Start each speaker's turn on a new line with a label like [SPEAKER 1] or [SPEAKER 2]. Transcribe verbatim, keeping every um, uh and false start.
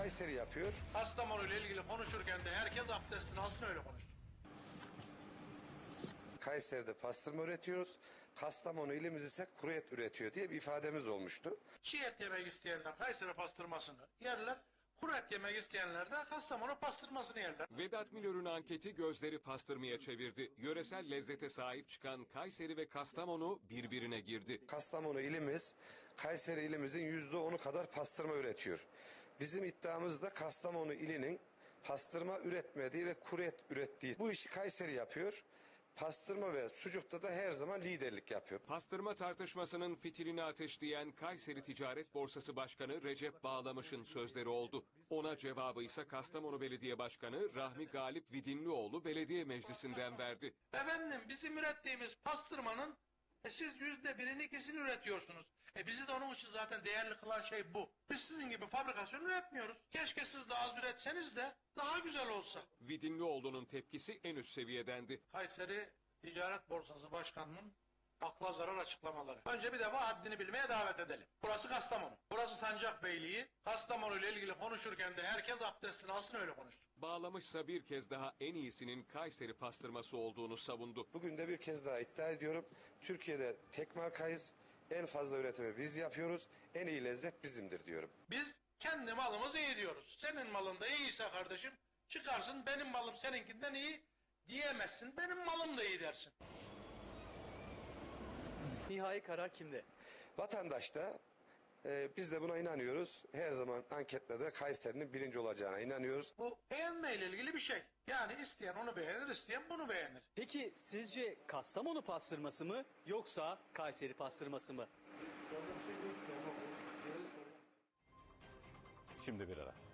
[SPEAKER 1] Kayseri yapıyor.
[SPEAKER 2] Kastamonu ile ilgili konuşurken de herkes abdestini alsın, öyle konuştu.
[SPEAKER 1] Kayseri'de pastırma üretiyoruz. Kastamonu ilimiz ise kuru et üretiyor diye bir ifademiz olmuştu.
[SPEAKER 2] Çiğ et yemek isteyenler Kayseri pastırmasını yerler. Kuru et yemek isteyenler de Kastamonu pastırmasını yerler.
[SPEAKER 3] Vedat Milor'un anketi gözleri pastırmaya çevirdi. Yöresel lezzete sahip çıkan Kayseri ve Kastamonu birbirine girdi.
[SPEAKER 1] Kastamonu ilimiz Kayseri ilimizin yüzde onu kadar pastırma üretiyor. Bizim iddiamız da Kastamonu ilinin pastırma üretmediği ve kuru et ürettiği. Bu işi Kayseri yapıyor. Pastırma ve sucukta da her zaman liderlik yapıyor.
[SPEAKER 3] Pastırma tartışmasının fitilini ateşleyen Kayseri Ticaret Borsası Başkanı Recep Bağlamış'ın sözleri oldu. Ona cevabı ise Kastamonu Belediye Başkanı Rahmi Galip Vidinlioğlu Belediye Meclisi'nden verdi.
[SPEAKER 2] Efendim, bizim ürettiğimiz pastırmanın e, siz yüzde birini ikisini üretiyorsunuz. E bizi de onun için zaten değerli kılan şey bu. Biz sizin gibi fabrikasyon üretmiyoruz. Keşke siz de az üretseniz de daha güzel olsa.
[SPEAKER 3] Vidinlioğlu'nun tepkisi en üst seviyedendi.
[SPEAKER 2] Kayseri Ticaret Borsası Başkanı'nın akla zarar açıklamaları. Önce bir defa haddini bilmeye davet edelim. Burası Kastamonu. Burası Sancakbeyliği. Kastamonu ile ilgili konuşurken de herkes abdestini alsın, öyle konuştu.
[SPEAKER 3] Bağlamışsa bir kez daha en iyisinin Kayseri pastırması olduğunu savundu.
[SPEAKER 1] Bugün de bir kez daha iddia ediyorum. Türkiye'de tek markayız. En fazla üretimi biz yapıyoruz. En iyi lezzet bizimdir diyorum.
[SPEAKER 2] Biz kendi malımızı iyi diyoruz. Senin malın da iyiyse kardeşim, çıkarsın benim malım seninkinden iyi diyemezsin. Benim malım da iyi dersin.
[SPEAKER 4] Nihai karar kimde?
[SPEAKER 1] Vatandaş da e, biz de buna inanıyoruz. Her zaman anketlerde Kayseri'nin birinci olacağına inanıyoruz.
[SPEAKER 2] Bu beğenmeyle ilgili bir şey. Yani isteyen onu beğenir, isteyen bunu beğenir.
[SPEAKER 4] Peki sizce Kastamonu pastırması mı yoksa Kayseri pastırması mı?
[SPEAKER 5] Şimdi bir ara.